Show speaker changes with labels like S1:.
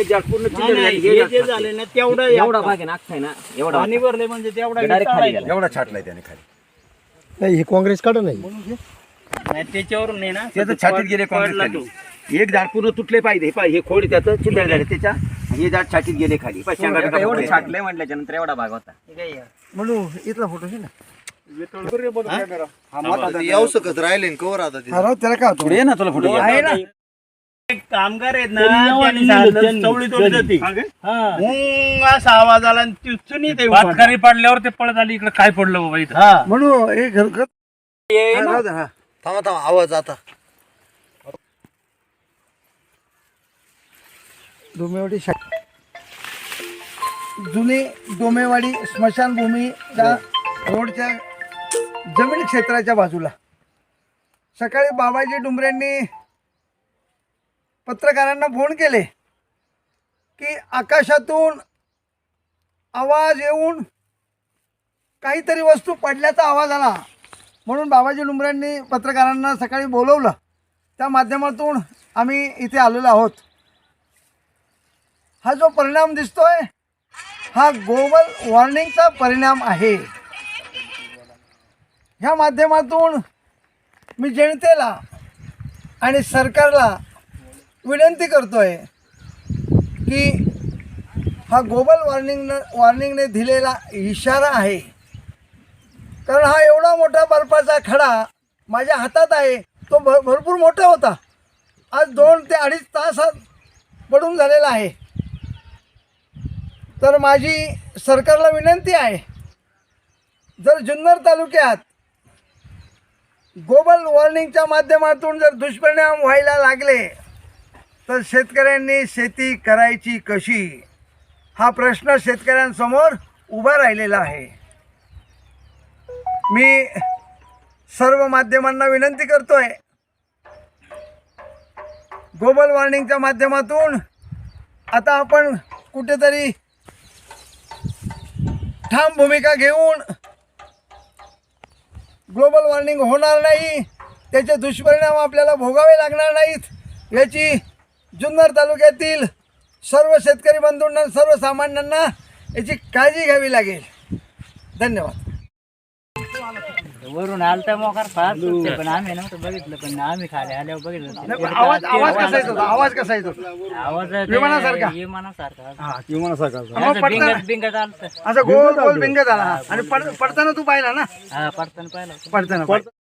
S1: हे जास्त पूर्ण
S2: हे जे झाले ना तेवढा
S3: एवढा भाग आहे ना अख्खा आहे ना एवढा
S2: पाणी भरले म्हणजे तेवढा
S3: डायरेक्ट खाली गेला.
S4: एवढा छाटलाय त्याने खाली.
S5: नाही हे काँग्रेस काढ नाही
S2: नाही त्याच्यावरून नाही ना
S1: त्याचं छातीत गेले काँग्रेस खाली. एक झाड पूर्ण तुटले पाहिजे हे खोड त्याचं चिंध्या झाले त्याच्या हे झाड छातीत गेले खाली
S3: एवढं छाटलंय म्हटल्याच्या नंतर एवढा भाग होता.
S5: म्हणून इथला फोटो घे ना
S4: येऊ शकत राहिले कवर आता ते.
S5: त्याला काय होतं?
S1: ये ना तुला फोटो
S5: आहे ना
S2: एक कामगार आहेत ना त्यांनी सांगितलं, चवळी तोडली होती. हुंग असा आवाज आला आणि ती चुनी ते
S6: पातकारी पाडल्यावर ते पळत आली इकडे काय पडलं बाबा इथं.
S2: हा
S5: म्हणून हे घरगत
S4: थांबा थांबा आवाज आता.
S5: डोमेवाडी जुनी डोमेवाडी स्मशानभूमीच्या रोडच्या जमीन क्षेत्राच्या बाजूला सकाळी बाबाजी डुंबरेंनी पत्रकारांना फोन केले की आकाशातून आवाज येऊन काहीतरी वस्तू पडल्याचा आवाज आला. म्हणून बाबाजी डुंबरेंनी पत्रकारांना सकाळी बोलवलं. त्या माध्यमातून आम्ही इथे आलेलो आहोत. हा जो परिणाम दिसतोय हा ग्लोबल वॉर्मिंगचा परिणाम आहे. ह्या माध्यमातून मी जनतेला आणि सरकारला विनंती करतोय की हा ग्लोबल वॉर्मिंगने दिलेला इशारा आहे. कारण हा एवढा मोठा बर्फाचा खडा माझ्या हातात आहे. तो भरपूर मोठा होता. आज 2 ते 2.5 तासात पडून झालेला आहे. तर माझी सरकारला विनंती आहे, जर जुन्नर तालुक्यात ग्लोबल वॉर्मिंगच्या माध्यमातून जर दुष्परिणाम व्हायला लागले तर शेतकऱ्यांनी शेती करायची कशी हा प्रश्न शेतकऱ्यांसमोर उभा राहिलेला आहे. मी सर्व माध्यमांना विनंती करतोय, ग्लोबल वॉर्मिंगच्या माध्यमातून आता आपण कुठेतरी ठाम भूमिका घेऊन ग्लोबल वॉर्मिंग होणार नाही, त्याचे दुष्परिणाम आपल्याला भोगावे लागणार नाहीत याची जुन्नर तालुक्यातील सर्व शेतकरी बंधूंना सर्वसामान्यांना याची काळजी घ्यावी लागेल. धन्यवाद.
S2: वरून आलता मोकार फार सुटते पण आम्ही नव्हतं बघितलं पण आम्ही खाली आल्यावर बघितलं.
S5: आवाज कसा येतो? आवाज कसा येतो?
S2: आवाज
S5: विमानासारखा?
S2: विमानासारखा बिंगत बिंगत आलत.
S5: असं गोल गोल भिंग झाला आणि पडताना तू पाहिला ना?
S2: हा पडताना पाहिलं
S5: पडताना